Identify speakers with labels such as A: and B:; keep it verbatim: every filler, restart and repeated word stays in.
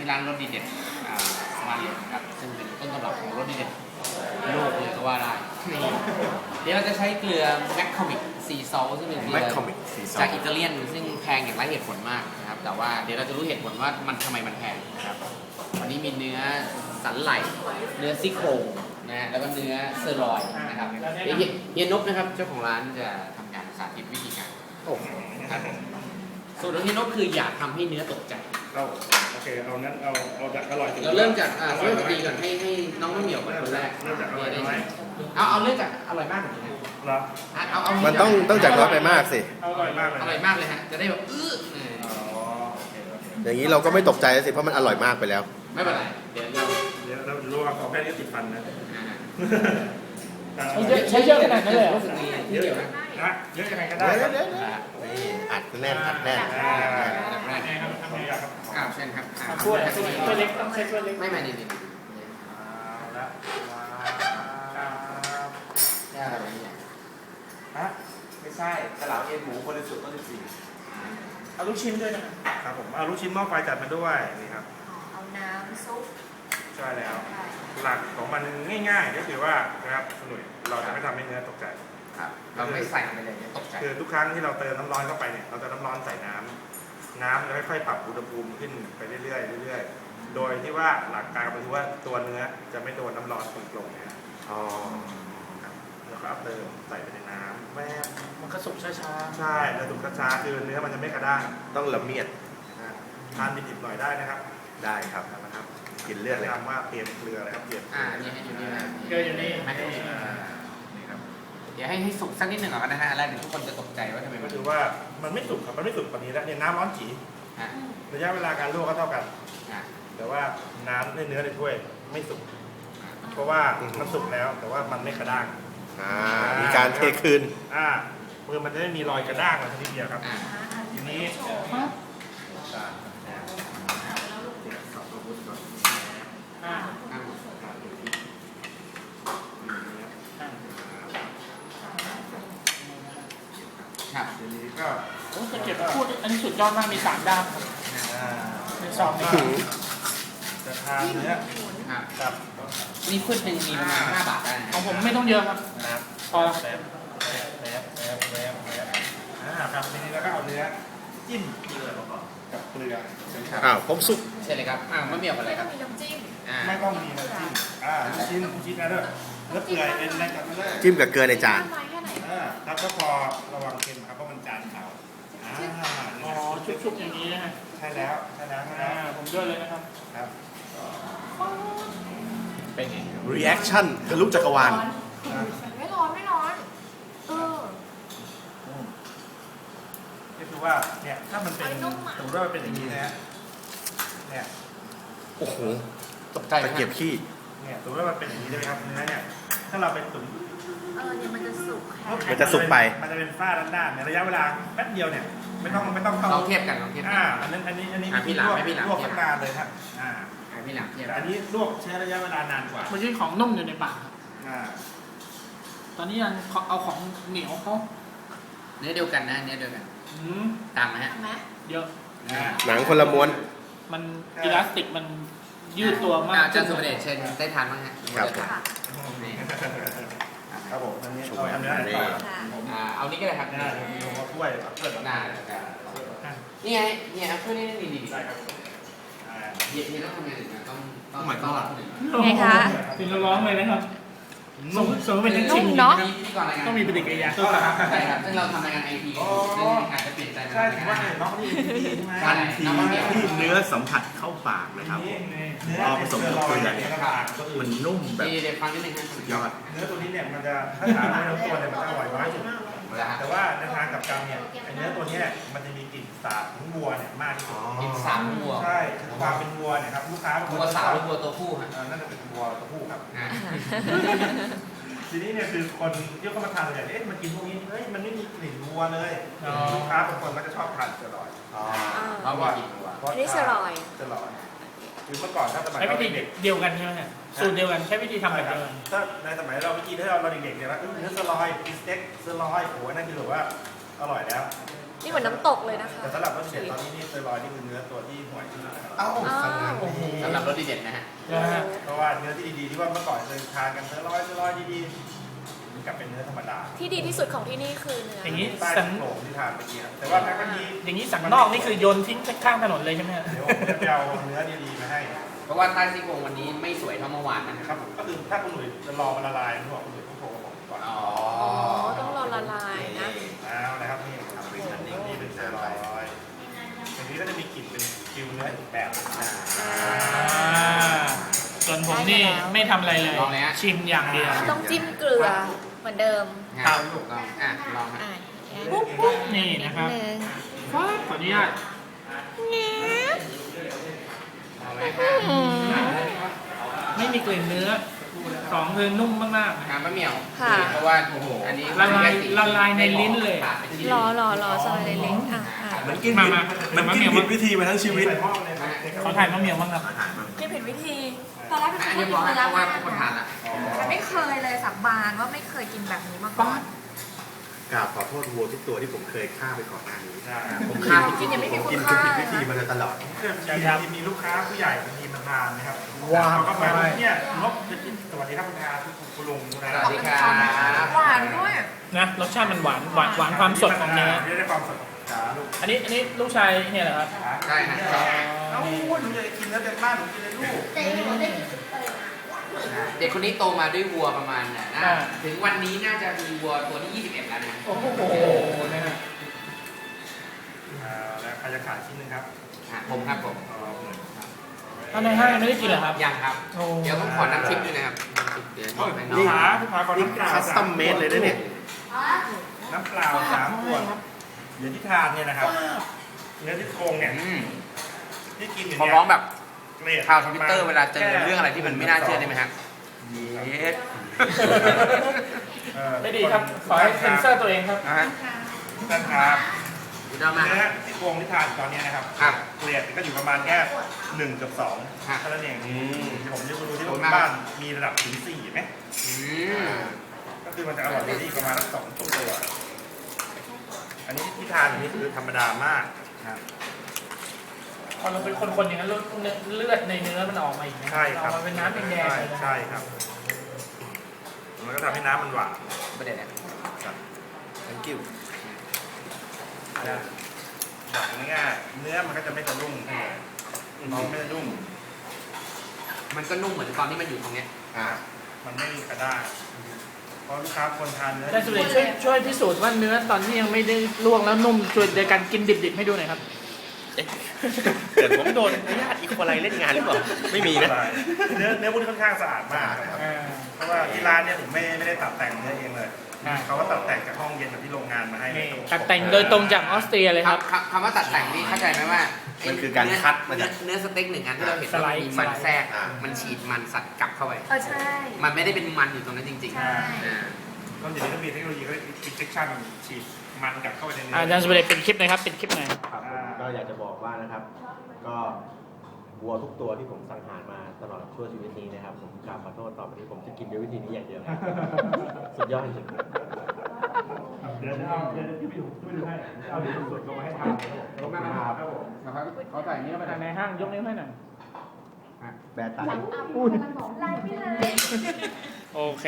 A: ร้านรสดีเด็ดสมาร์ทเลยนะครับซึ่งเป็นต้นตำรับของรสดีเด็ดโลกเลยก็ว่าได้เดี๋ยวเราจะใช้เกลือแมคคอมิกซีซอลซึ่งเป็นเกลือจากอิตาเลียนซึ่งแพงอย่างไร้เหตุผลมากนะครับแต่ว่าเดี๋ยวเราจะรู้เหตุผลว่ามันทำไมมันแพงนะครับวันนี้มีเนื้อสันไหล่เนื้อซี่โครงนะฮะแล้วก็เนื้อเซอร์ลอยนะครับเดี๋ยวเฮียนบนะครับเจ้าของร้านจะทำการสาธิตวิธีการโอ้ครับสูตรของเฮียนบคืออยากทำให้เนื้อตกใจ
B: เราโอเคเอางั้นเอาเอาจากอร่อย
A: เราเริ่มจากอ่าเริ่มจากดีก่อนให้ให้น้องมะเหมี่ยวเป็นคนแรก
B: เริ่มจากอร่อยน้อย
A: เอาเอาเริ่มจากอร่อยมากก่อนนะ
B: เหรอ
A: เอาเอา
C: มันต้องต้องจากน้อยไปมากสิ
B: อร่อยมากเลย
A: อร่อยมากเลยฮะจะได้แบบอื้อ
C: อย่างนี้เราก็ไม่ตกใจสิเพราะมันอร่อยมากไปแล้ว
A: ไม่เป็นไรเดี๋ยวเรา
B: เดี๋ยวเรารู้ว่าของแค่นี้ติดฟันนะ
D: ใช้เยอะขนาดนั้นเลย
A: รู้สึกดีเยอะนะ
B: นะเยอะยังไงก็ได้
C: อัดแน่นอัดแน่น
A: แรกครับทำไงครับอ้าวเช่นครับ
D: ถ้วยถ้วยเล็กต้องใช้ถ้วยเล็ก
A: ไม่ไม่นี่นี่
B: แล้ว
A: นี่อะไรเนี่ย
B: ฮะไม่ใช่กระเหลาเอ็นหมูคนละสุดต้นสิบสี่
D: เอาลูกชิ้นด้วยนะครับ
B: ผมเอาลูกชิ้นหม้อไฟจัดมาด้วยนี่ครับ
E: เอาน้ำซุป
B: ใช่แล้วหลักของมันง่ายๆก็คือว่านะครับหนุ่ยเราจะไม่ทำให้เนื้อตกใจ
A: ครับเราไม่ใส่ไปเลยตกใจ
B: คือทุกครั้งที่เราเติมน้ำร้อนเข้าไปเนี่ยเราจะน้ำร้อนใส่น้ำน้ำจะค่อยๆปรับอุณหภูมิขึ้นไปเรื่อยๆเรื่อยๆโดยที่ว่าหลักการก็คือว่าตัวเนื้อจะไม่โดนน้ำร้อนตรงๆนะ
C: อ๋อ
B: แล้วก็เติมใส่ไปในน้ำแม่
D: มันก็สุกช้า
B: ๆใช่แล้วสุกช้าๆคือเนื้อมันจะไม่กระด้าง
C: ต้องละเมียด
B: ทานดิบๆหน่อยได้นะครับ
C: ได้ครับนะครับกินเลือดเลย
B: ทำว่าเตรียมเกลืออะไรครับเตรียม
A: อ่านี่ให้อยู่นี่นะ
D: เกลืออยู่นี่
A: ไม่ให้นี่ครับเดี๋ยวให้ให้สุกสักนิดหนึ่งก่อนนะฮะอะไรเดี๋ยวทุกคนจะตกใจว่าทำไม
B: ก็คือว่ามันไม่สุกครับมันไม่สุกกว่านี้แล้วเนี่ยน้ำร้อนจี๋ระยะเวลาการลวกก็เท่ากันแต่ว่าน้ำในเนื้อในถ้วยไม่สุกเพราะว่ามันสุกแล้วแต่ว่ามันไม่กระด้าง
C: มีการเทคืน
B: อ่ามือมันจะไม่มีรอยกระด้างมาทีเดียวครับทีนี้
A: ครับทีนี้ก็
D: โอ้จะเก็บพูดอันนี้สุดยอดมากมีสามด้ามครับเป็นสองด้าม
B: จะทานเนื้อ
A: ครับนี่พืชหนึ่งมีประมาณห้าบาทได้
D: ของผมไม่ต้องเยอะครับพอ
B: แล้วแล้วแล้วแล้วแล้วอ่าครับทีนี้เราก็เอาเนื้อจิ้มกับเกลือ
C: อ้าวผมสุก
A: ใช่เลยครับอ้าวมะเหมี่ยวอะไรครับ
E: มีน้ำจิ้ม
B: ไม่ต้องมีน้ำจิ้มอ่าชิ้นชิ้นนะเด้อเนื้อเปื่อยเป็นอะไรกันไม่ได้
C: จิ้มกับเกลือในจาน
B: อ่าครับก็พอระวังเค็มครับเพราะมันจานขาวอ่า
D: อ๋อชุบๆอย่างนี้นะฮะ
B: ใช่แล้วใช่แล้วใช่แล้ว
D: ผมด้วยเลยนะครับ
B: ครับ
A: เป็นไง
C: reaction ทะลุจักรวาล
E: ไม่ร้อนไม่ร้อนเออ
B: นี่คือว่าเนี่ยถ้ามันเป็นสมมติว่ามันเป็นอย่างนี้นะฮะเนี่ย
C: โอ้โหตกใจตะเกียบขี้
B: เนี่ยสมมติว่ามันเป็นอย่างนี้ใช่ไหมครับเนื้อเนี่ยถ้าเราไปตุ๋น
E: เออเนี่ยมันจะสุก
C: มันจะสุกไป
B: มันจะเป็นฝ้าด้านๆในระยะเวลาแป๊บเดียวเนี่ยไม่ต้องไม่ต้อง
A: เข้าลองเทียบกันลองเทียบ
B: อ่าอันนั้นอันนี้อันนี้
A: พี่หลามไม่พี่หลาม
B: ลวกนานเลยครับอ่า
A: พี่หลามเทียบ
B: อันนี้ลวกใช้ระยะเวลานานกว่า
D: มันใช่ของนุ่มอยู่ในปากครับ
B: อ่า
D: ตอนนี้ยังเอาของเหนียวเขา
A: เนื้อเดียวกันนะเนื้อเดียวกันต่างไหมฮะ
D: เยอะ
C: หนังคนละม้วน
D: มันอิลาสติกมันยืดตัวมาก
A: อาจารย์สุเดชเชิญได้ทานบ้างฮะ
C: ครับ
B: ครับผมอันนี้เอาอันนี้
A: อ่าเอานี้ก็ได้ครับ
B: นี่ผมว่าถ้วยเปิด
A: หน้านี่ไงนี่ครับถ้วยนี้นี่ดีใช่ครับเย็นนี่ต้องทำไงถึงต้องต้องหมายก็
E: ไงคะ
D: ถึงร้องเลยนะครับส่งส่งเป็นนักชิม
E: เนาะ
D: ต้องมีปฏิกิริยา
A: ใช่ครับซึ่งเราทำรายการไอทีซึ่งอาจจะเปลี่ยนใจ
B: ใช่ว่าน้องนี่
C: ทันทีที่เนื้อสัมผัสเข้าปากนะครับพอผสมกับเกลือเนี่ยมันนุ่มแบบสุดยอด
B: เนื้อตัวนี้เนี่ยมันจะถ้าถามว่าเนื้อตัวเนี่ยมันจะอร่อยน้อยสุดแต่ว่าในทางกับกรรมเนี่ยเนื้อตัวนี้มันจะมีกลิ่นสาบของวัวเนี่ยมากที่สุด
A: กลิ่นสาบวัว
B: ใช่ความเป็นวัวเนี่ยครับลูกค้า
A: วัวสาวหรือวัวตัวผู้ฮะ
B: น่าจะเป็นวัวตัวผู้ครับทีนี้เนี่ยคือคนที่เข้ามาทานเนี่ยเอ๊ะมันกินพวกนี้เฮ้ยมันไม่มีกลิ่นวัวเลยลูกค้าบางคนก็จะชอบทานสลอย
A: เพราะว่า
E: อันนี้สลอย
B: สลอยคือเมื่อก่อนถ้าสมัย
D: ใช้วิธีเดียวกันใช่ไหมสูตรเดียวกันใช้วิธีทำแบบเดียวกัน
B: ถ้าในสมัยเราเมื่อกี้ถ้าเราเด็กๆเนี่ยว่าเนื้อสลอยสเต็กสลอยโอ้นั่นคือแบบว่าอร่อยแล้ว
E: นี่เหมือนน้ำตกเลยนะคะ
B: แต่สำหรับรสเด็ดตอนนี้นี่สลอยนี่คือเนื้อตัวที่ห่วยที่สุด
C: เอ้า
D: โอ้โห
A: สำหรับรสดีเด่นนะฮะ
D: นะฮะ
B: เพราะว่าเนื้อที่ดีๆที่ว่าเมื่อก่อนเคยทานกันเนื้อร้อยเนื้อร้อยดีๆมันกลับเป็นเนื้อธรรมดา
E: ที่ดีที่สุดของที่นี่คือเนื้อ
D: อ
E: อย่าง
D: นี้
B: ใต้
D: สัน
B: โขลงที่ทานเมื่อกี้ครับแต่ว่าแม็กมันดี
D: อย่างนี้สันนอกนี่คือโยนทิ้งข้างถนนเลยใช่ไหมฮะ
B: เดี๋ยวผมจะไปเอาเนื้อดีๆมาให้
A: เพราะว่าใต้ซี่โครงวันนี้ไม่สวยเท่าเมื่อวานนะ
B: นะ
A: ค
B: ครับ รับผมก็คือถ้าคุณหนุ่ยจะรอมันละลายคุณบอกคุณหนุ่ยต้องโทรกับผมก่อน
A: อ๋อ
E: อ๋อ ต้องรอละลายนะ
B: เอาเลยครับนี่ทำเป็นอันนี้นี่เป็นเซรอยอย่างนี้ก็จะมีกลิ่นเป็นคิวเนื้ออีกแบบอ่า
D: อ่าส่วนผมนี่ไม่ทำอะไรเลย
A: ลองเลยฮะ
D: ชิมอย่างเดียว
E: ต้องจิ้มเกลือเหมือนเดิม
A: งานถูกต้องอ่ะลองฮะ
E: อ่ะ
D: ปุ๊บปุ๊บนี่นะครับ
E: หนึ่ง
D: ขออนุญาต
A: เอาเลยฮะ
D: ไม่มีกลิ่นเนื้อสองคือนุ่มมาก
A: งานมะเหมี่ยว
E: ค่ะ
A: เพราะว่าโอ้โหอันนี้
D: ละลายละลายในลิ้นเลย
E: รอรอรอซอยเล็กๆอ่ะอ่ะ
C: มันกิน
D: มา
C: ผิด
D: มา
C: มัน
D: มา
C: กิน
D: เมียว
C: ผิดวิธีมาทั้งชีวิต
B: ใส่หม้อเลยนะ
D: ๆขอถ่ายมะเหมียวบ้างครับ
E: กินผิดวิธี ตอนแรกเป็น
A: อัน
E: คน
A: นี้
E: กิ
A: บอก
E: น
A: ให้
E: เนื้
A: เพ
E: อ
A: ราะว่า
E: มา
A: ทุกคนทานละ
E: แต่ไม่เคยเลยสับบานว่าไม่เคยกินแบบนี้มาก่อน
C: กราบขอโทษวัวทุกตัวที่ผมเคยฆ่าไปก่อนหน้านี้
B: ใช่
C: ผมฆ่า
E: กินยังไม่มี
C: ผม
E: คุ
C: กิน
E: ณ
C: ผิ
E: ค่า
C: ดวิธีมาโดยตลอด
B: เพื่อนอย่างที่มีลูกค้าผู้ใหญ่บางทีมาทานนะครับ
D: ว้าว
B: เขาก็มาเนี่ยนกจะกินสวัสดีครับคุณอาคุณลุงคุณ
A: ส
B: อา
A: วัสดีครับ
E: หวานด้วย
D: นะรสชาติมันหวานหวานหวานความสดของเนื้อ
B: ได้ความสดของขาลูก
D: อันนี้อันนี้ลูกชายเนี่ยเหรอครับ
A: ใช่ฮะ
B: เอ้าหนูจะกินแล้วเต็มบ้านหนูกินเลยลูก
A: เด็กคนนี้โตมาด้วยวัวประมาณน่ะนะถึงวันนี้น่าจะมีวัวตัวที่ยี่สิบเอ็ดแล้วนะ
D: โอ้โหนะฮะ
B: อ่าแล้วใครจะขายชิ้นหนึงครับ
A: อ่ะผมครับผม
B: อ๋อหนึ่ง
D: ตอนในห้างยังไม่ได้กินเหรอครับ
A: ยังครับ
D: โอ้
A: เดี๋ยวผมขอน้ำทิปด้วยนะครับน้ำทิปเดี๋ยวบอกให้น้อ
B: ลู
A: ง
B: กค้าลูกค้าก่อน
C: นี่
B: น้ำเปล่า
C: คัสตอมเมดเลยนะเนี่ย
B: น้ำเปล่าสามขวดเดี๋ยวที่ทานเนี่ยนะครับเนื้อที่โครงเนี่ย
A: อืม
B: ที่กินอยู่
A: ขอ
B: เนี่ย
A: ร้องแบบ
B: เกรด
A: ข่าวทวิตเตอร์เวลาเจอเรื่องอะไรที่มันไม่น่าเชื่อได้ไหมครับเย็ด
B: เออ
D: ไม่ดีครับ ขอให้เซ็นเซอร์ตัวเองครับ
A: นะฮะ
B: ท่านครับ
A: ดูด้านมา
B: เนื้อที่โครงที่ทานตอนนี้นะครับ
A: ครับ
B: เกรดก็อยู่ประมาณแค่หนึ่งกับสอง
A: ครับ
B: เท่านั้นเอง
C: อืม
B: ที่ผมจะดูที่
A: ขอบคุณมาก
B: บ้านมีระดับถึงสี่ไหม
A: อืม
B: ก็คือมันจะอร่อยที่ประมาณสักสองตัว อันนี้ที่ทานอยู่นี่คือธรรมดามากนะครับ
D: พอเราเป็นคนๆอย่างนั้นเลือดเลือดในเนื้อมันออกมาอีกนะ
B: ใช่ครับ
D: ออกมาเป็นน้ำแดง
B: ใช่
D: ๆเลยนะ
B: ใช่ครับมันก็ทำให้น้ำมันหวาน
A: ประเด็นเนี่ย
C: thank you
B: นะบอกง่ายๆเนื้อมันก็จะไม่สะดุ้งน้องไม่สะดุ้ง
A: มันก็นุ่มเหมือนตอนที่มันอยู่ตรงเนี้ย
C: อ่า
B: มันไม่มีกระด้างเพราะลูกค้าคนทานเนื้อ
D: อาจารย์สุเดชช่วยช่วยพิสูจน์ว่าเนื้อตอนที่ยังไม่ได้ลวกแล้วนุ่มช่วยโดยการกินดิบๆให้ดูหน่อยครับ
C: เกิดผมโดนญาติอีกคนไรเล่นงานหรือเปล่า ไม่มีนะ
B: เนื้อเนื้อพวกนี้ค่อนข้างสะอาดมากนะครับ
D: อ่า
B: เพราะว่าที่ร้านเนี่ยผมไม่ไม่ได้ตัดแต่งเนื้อเองเลย
D: อ่า
B: เขาก็ตัดแต่งจากห้องเย็นแบบที่โรงงานมาให้เลย
D: นี่ตัดแต่งโดยตรงจากออสเตรียเลยครับ
A: คำคำว่าตัดแต่งนี่เข้าใจไหมว่า
C: มันคือการคัดมาจาก
A: เนื้อสเต็กหนึ่งอันที่เราเห็น
D: สไล
A: ว่า
D: ด์
A: มีมัน
D: สไลด์
A: แทรก
C: อ่า
A: มันฉีดมันสัตว์กลับเข้าไป
E: เออใช่
A: มันไม่ได้เป็นมันอยู่ตรงนั้นจริง
E: ใช่
A: ๆอ่า
B: ก็เดี๋ยวนี้ก็มีเทคโนโลยีก็อินเจคชั่นฉีดมันกลับเข้าไปในเนื้
D: อาจารย์สุเดชเป็นคลิปหน่อยครับเป็นคลิปหน่อย
C: ครับผมก็อยากจะบอกว่านะครับ ก็วัวทุกตัวที่ผมสังหารมาตลอดชั่วชีวิตนี้นะครับ ผมกราบขอโทษต่อไปนี้ผมจะกินด้วยวิธีนี้อย่างเดียว สุดยอดจริงๆ
B: เดี๋ยวเอาเดี๋ยวที่ไปดูช่วยดูให้เอาดูสดๆลงมาให้ทานลงมาครับผม
A: เขาเขาใส่นี้เข้าไป
D: ในห้างยกนิ้วให้หน่อย
C: แบร์ไต
E: ไล่ไปเลย
D: โอเค